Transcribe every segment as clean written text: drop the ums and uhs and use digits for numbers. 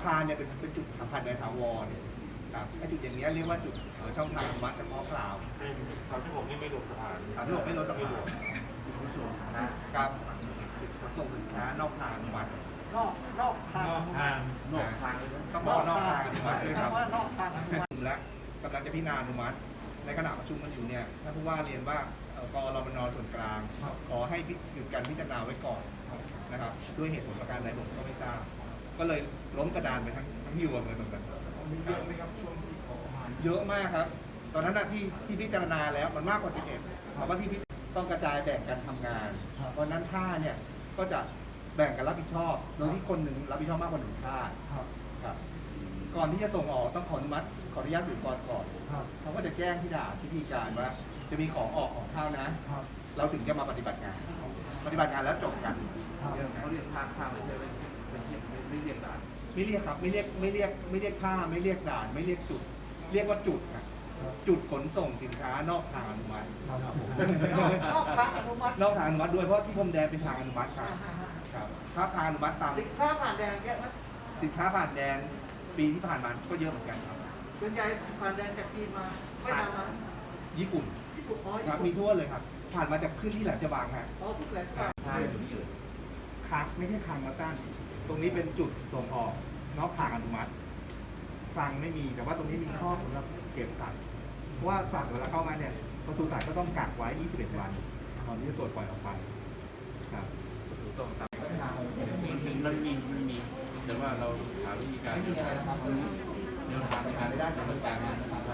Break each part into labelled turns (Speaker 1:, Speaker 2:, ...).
Speaker 1: คารเนี่ยเป็นจุดสัมผัสในถาวรครับไอ้จุดอย่างนี้เรียกว่าจุดช่องทางอนุมัติเฉพาะกล่าว
Speaker 2: 36นี่ไม่รวมสะพาน
Speaker 1: 36ไม่ลดสะพานครับส่งสินค้านอกทางอนุมัติ
Speaker 3: นอกทาง
Speaker 1: ต้องบอกนอกทางอนุมัติด้วยครับ
Speaker 3: ว่านอกทางอนุมัติ
Speaker 1: และกำลังจะพิจารณาอนุมัติในขณะประชุมกันอยู่เนี่ยท่านผู้ว่าเรียนว่ากรมน.ส่วนกลางขอให้หยุดการพิจารณาไว้ก่อนนะครับด้วยเหตุผลประการใดผมก็ไม่ทราบก็เลยล้มกระดานไปทั้งยวงเลยเหมือนกัน
Speaker 4: มีเยอะไหมครับช่วงที่ขอ
Speaker 1: เยอะมากครับตอนนั้นที่พิจารณาแล้วมันมากกว่า11ถามว่าที่ต้องกระจายแบ่งกันทำงานเพราะนั้นท่าเนี่ยก็จะแบ่งกันรับผิดชอบโดยที่คนหนึ่งรับผิดชอบมากกว่า1ท่าครับก่อนที่จะส่งออกต้องขออนุมัติขออนุญาตสื่อกรก่อนเขาก็จะแจ้งที่ด่านพิธีการว่าจะมีของออกของเข้านะเราถึงจะมาปฏิบัติงานแล้วจบกัน
Speaker 2: เขาเรียกทางไม่ใช่ไม่เรียกด่าน
Speaker 1: ไม่เรียกครับไม่เรียกค่าไม่เรียกด่านไม่เรียกจุดเรียกว่าจุดครับจุดขนส่งสินค้านอกทางอนุมัติ
Speaker 3: นอกทางอนุมัติ
Speaker 1: ด้วยเพราะที่พรมแดนเป็นทางอนุมัติครับถ้าทางอนุมัติตาม
Speaker 3: สินค้าผ่านแดนเยอะไหม
Speaker 1: สินค้าผ่านแดนปีที่ผ่านมาก็เยอะเหมือนกันครับ
Speaker 3: ส่วนใหญ่ผ่านแดนจากจีนมาไม่ตามมา
Speaker 1: ญี่ปุ่นครับมีทั่วเลยครับผ่านมาจากขึ้นที่แหลมฉบังครับ
Speaker 3: ทุกแหลมฉบัง
Speaker 1: ครับไม่ใช่คลังมาตั้งตรงนี้เป็นจุดส่งออกนอกทางอนุมัติคลังไม่มีแต่ว่าตรงนี้มีข้อสำหรับเก็บสัตว์เพราะว่าสัตว์เวลาเข้ามาเนี่ยปศุสัตว์ก็ต้องกักไว้21วันตอนที่จะตรวจปล่อยออกไปครับ
Speaker 2: ต้องตามมันมีแต่ว่าเราหาวิธีการ
Speaker 1: ไม่มีอะไรนะครับ
Speaker 2: แนวทางในการได้ดำเนินการนะครับ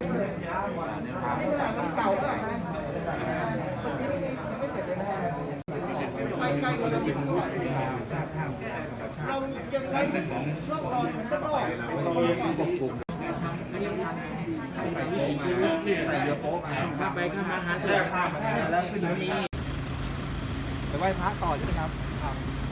Speaker 3: มันเก่ามากนะไม่เสร็จเลยนะไปไกลกว่าเราอีกเท่าไหร่เรายังไงร่องรอยมันก็รอด
Speaker 1: เราควบคุมใส่เรือโป๊ะมา
Speaker 2: ข้ามไปข้ามมาหาเจอ
Speaker 1: ข้ามมาแล้วขึ้นนี้ไปไหว้พระต่อใช่ไหมครับ